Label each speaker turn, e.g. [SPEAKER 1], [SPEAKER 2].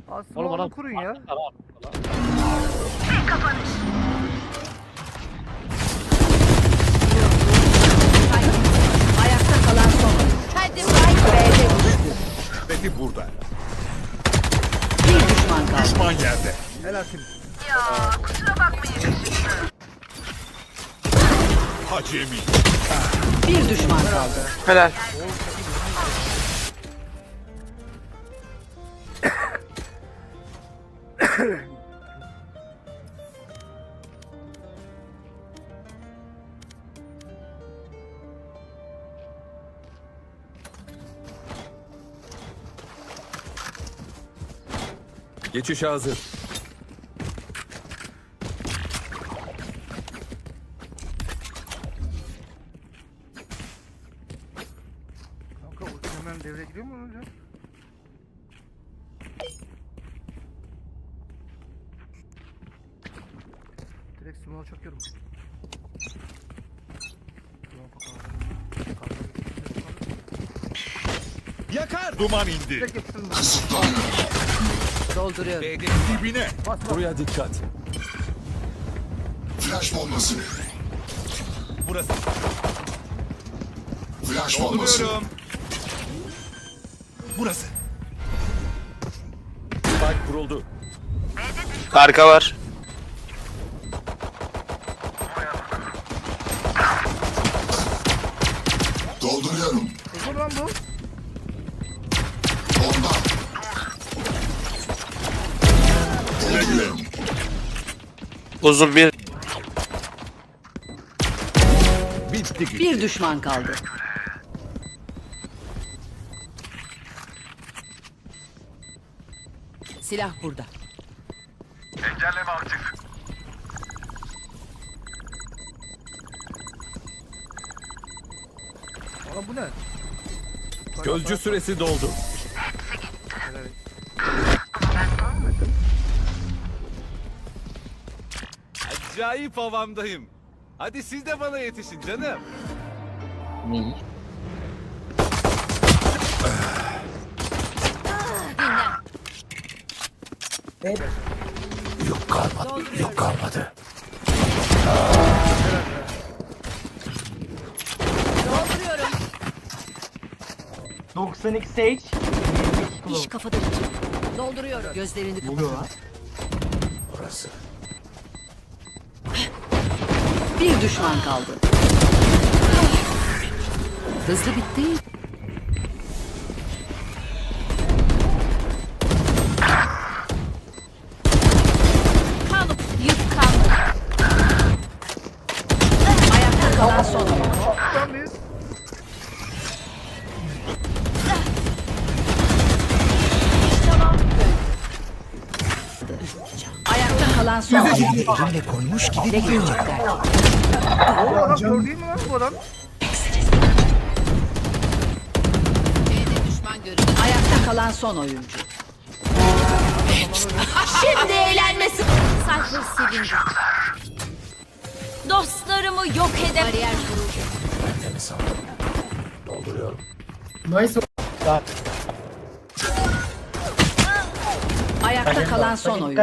[SPEAKER 1] Aslında
[SPEAKER 2] Oğlum
[SPEAKER 1] onu
[SPEAKER 2] adam
[SPEAKER 1] kurun ya.
[SPEAKER 3] Ayakta kalan son. Hadi Spike B'de düştü.
[SPEAKER 4] Beti burada.
[SPEAKER 3] Bir düşman kaldı.
[SPEAKER 4] Düşman yerde.
[SPEAKER 1] Helal şimdi.
[SPEAKER 4] Hacemi.
[SPEAKER 3] Bir düşman kaldı.
[SPEAKER 5] Helal.
[SPEAKER 4] Geçiş hazır.
[SPEAKER 1] Kanka ulti hemen devreye giriyor mu hocam? Direkt smoke'a çakıyorum.
[SPEAKER 4] Yakar. Duman indi.
[SPEAKER 1] Direkt yapıştırdım ben.
[SPEAKER 3] Dolduruyorum.
[SPEAKER 4] B'de dibine.
[SPEAKER 1] Bas bas.
[SPEAKER 4] Buraya dikkat.
[SPEAKER 6] Flash bombası.
[SPEAKER 4] Burası.
[SPEAKER 6] Flash bombası.
[SPEAKER 4] Dolduruyorum. Burası. Spike kuruldu.
[SPEAKER 5] Arka var.
[SPEAKER 6] Dolduruyorum.
[SPEAKER 1] Dur lan bu.
[SPEAKER 6] Bomba. Dolduruyorum.
[SPEAKER 5] Uzun bir.
[SPEAKER 4] Bitti gitti.
[SPEAKER 3] Bir düşman kaldı. Silah burada.
[SPEAKER 1] Oğlum bu ne?
[SPEAKER 4] Gözcü süresi doldu.
[SPEAKER 1] Helal.
[SPEAKER 7] Acayip havamdayım. Hadi siz de bana yetişin canım.
[SPEAKER 4] Yok kalmadı.
[SPEAKER 8] 92 Sage.
[SPEAKER 3] İş kafada bitiyor. Dolduruyorum. Gözlerini kapat.
[SPEAKER 4] Burası.
[SPEAKER 3] Bir düşman kaldı. Hızlı bitti. Kalıp yıkandı. Ayakta kalan son oyun.
[SPEAKER 1] Tamam mıyız?
[SPEAKER 3] Ayakta kalan son oyun. Elimle koymuş gibi ne görecekler?
[SPEAKER 1] Oğlum adam kör değil mi lan bu adam?
[SPEAKER 3] Ayakta kalan son oyuncu.
[SPEAKER 9] Şimdi eğlenmesi. Sayfa silindi. Dostlarımı yok edem. Bariyer kuruldu.
[SPEAKER 4] Temiz aldım. Dolduruyorum.
[SPEAKER 3] Ayakta kalan son oyuncu.